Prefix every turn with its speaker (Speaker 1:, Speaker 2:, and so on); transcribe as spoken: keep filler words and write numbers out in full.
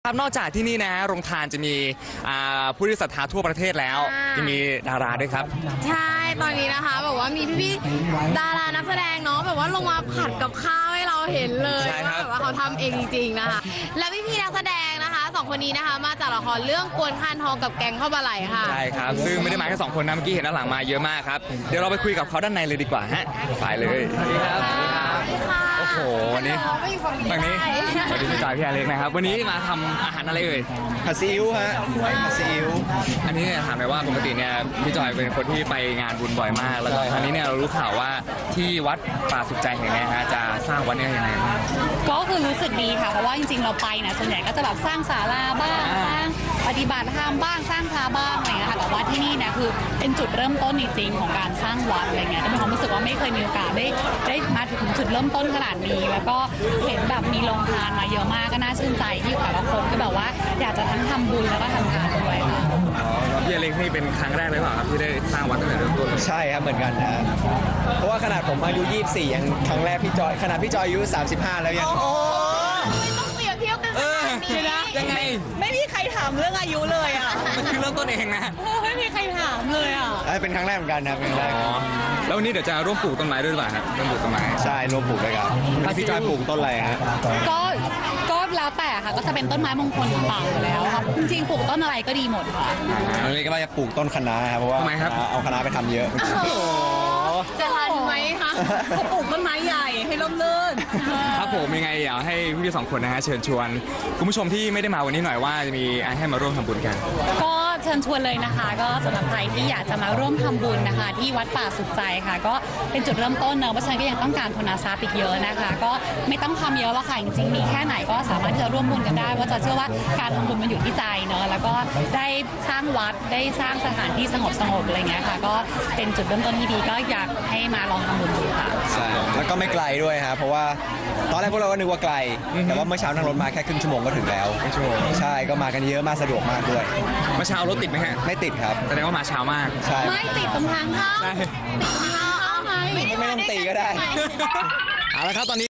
Speaker 1: ครับนอกจากที่นี่นะโรงทานจะมีผู้ที่ศรัทธาทั่วประเทศแล้วยังมีดาราด้วยครับ
Speaker 2: ใช่ตอนนี้นะคะแบบว่ามีพี่ๆดารานักแสดงเนาะแบบว่าลงมาผัดกับข้าวให้เราเห็นเลยว่าแบบว่าเขาทำเองจริงๆนะคะและพี่ๆนักแสดงนะคะสองคนนี้นะคะมาจากละครเรื่องกวนคานทองกับแกงข้าวปลาไหลค่ะ
Speaker 1: ใช่ครับซึ่งไม่ได้มาแค่สองคนนะเมื่อกี้เห็นด้านหลังมาเยอะมากครับเดี๋ยวเราไปคุยกับเขาด้านในเลยดีกว่าฮะไปเลยสวัสดีครับสวัสดีครับโอ้โหวันนี้ฝั่งนี้สวัสดีพี่จอยพี่อเล็กนะครับวันนี้มาทำอาหารอะไรเอ่ย
Speaker 3: ผัดซีอิ๊วฮะผัดซีอิ๊ว
Speaker 1: อันนี้เนี่ยถามเลยว่าปกติเนี่ยพี่จอยเป็นคนที่ไปงานบุญบ่อยมากแล้วก็ครั้งนี้เนี่ยเรารู้ข่าวว่าที่วัดป่าสุขใจแห่งนี้ฮะจะสร้างวัดนี้ยังไง
Speaker 4: ก็คือรู้สึกดีค่ะเพราะว่าจริงๆเราไปเนี่ยส่วนใหญ่ก็จะแบบสร้างศาลาบ้างสร้างปฏิบัติธรรมบ้างสร้างพระบ้างอะไรเงี้ยค่ะแต่ว่าที่นี่เนี่ยคือเป็นจุดเริ่มต้นจริงๆของการสร้างวัดอะไรเงี้ยก็มีความรู้สึกว่าไม่เคยมีโอกาสได้ได้มาถึงจุดเริ่มต้นขนาดนี้แล้วก็เห็นแบบมีโรงทานมาเยอะมากก็น่าชื่นใจที่แต่ละคนก็แบบว่าอยากจะทั้งทำบุญแล้วก็ทำทานด้วยค่ะ
Speaker 1: พี่อเล็กนี่เป็นครั้งแรกเลยเปล่าครับที่ได้สร้างวัดตั้งแต่เริ่มต้น
Speaker 3: ใช่ครับเหมือนกันนะเพราะว่าขนาดผมอายุยี่สิบสี่ยังครั้งแรกพี่จอยขนาดพี่จอยอายุสามสิบห้าแล้วยัง
Speaker 2: โอ้ไม่ต้องเปรียบเทียบกันขนาดนี้
Speaker 1: นะยังไง
Speaker 4: ไม่มีใครถามเรื่องอายุเลยอ่ะ
Speaker 1: มันคือเริ่มต้นเองนะ
Speaker 4: ไม่มีใครถามเลยอ่ะ
Speaker 3: เป็นครั้งแรกเหมือนกันครับเป็นครั้งแรก
Speaker 1: แล้ววันนี้เดี๋ยวจะร่วมปลูกต้นไม้ด้วยหรือเปล่าครับร่วมปลูกต้นไม้
Speaker 3: ใช่ร่วมปลูกด้วยครับพี่จอยปลูกต้นอะไรฮะ
Speaker 4: ก็ก็แล้วแต่ค่ะก็จะเป็นต้นไม้มงคลต่างๆอยู่แล้วครับจริงๆปลูกต้นอะไรก็ดีหมดค่ะ
Speaker 3: อันนี้ก็ว่าจะปลูกต้นคะน้าครับเพราะว่าเอาคะน้าไปทำเยอะ
Speaker 2: จะทันไหมคะ
Speaker 4: เขาปลูกต้นไม้ใหญ่ให้ร่มรื่น
Speaker 1: ครับผมยังไงอยากให้พี่ๆสองคนนะฮะเชิญชวนคุณผู้ชมที่ไม่ได้มาวันนี้หน่อยว่าจะมีให้มาร่วมทำบุญกัน
Speaker 4: ก็เชิญชวนเลยนะคะก็สำหรับใครที่อยากจะมาร่วมทำบุญนะคะที่วัดป่าสุขใจค่ะก็เป็นจุดเริ่มต้นเนอะเพราะฉะนั้นก็ยังต้องการทุนทรัพย์อีกเยอะนะคะก็ไม่ต้องทำเยอะหรอกค่ะจริงๆมีแค่ไหนก็สามารถที่จะร่วมบุญกันได้ว่าจะเชื่อว่าการทำบุญมันอยู่ที่ใจเนอะแล้วก็ได้สร้างวัดได้สร้างสถานที่สงบสงบอะไรเงี้ยค่ะก็เป็นจุดเริ่มต้นที่ดีก็อยากให้มาลองทำบุญดูค่ะ
Speaker 3: ใช่แล้วก็ไม่ไกลด้วยครับเพราะว่าตอนแรกพวกเราก็นึกว่าไกลแต่ว่าเมื่อเช้านั่งรถมาแค่ครึ่งชั่วโมงก็ถึงแล้ว
Speaker 1: ชั่วโมง
Speaker 3: ใช่ก็มากันเยอะมากสะดวกมากด้วย
Speaker 1: เมื่อเช้ารถติดไหมฮะ
Speaker 3: ไม่ติดครับ
Speaker 1: แสดงว่ามาเช้ามาก
Speaker 3: ใช่
Speaker 2: ไม่ติดตรงทางเข้าติดตรงทางเข้าไหม
Speaker 3: ไม่ต้องตีก็ได้
Speaker 1: เอาละครับตอนนี้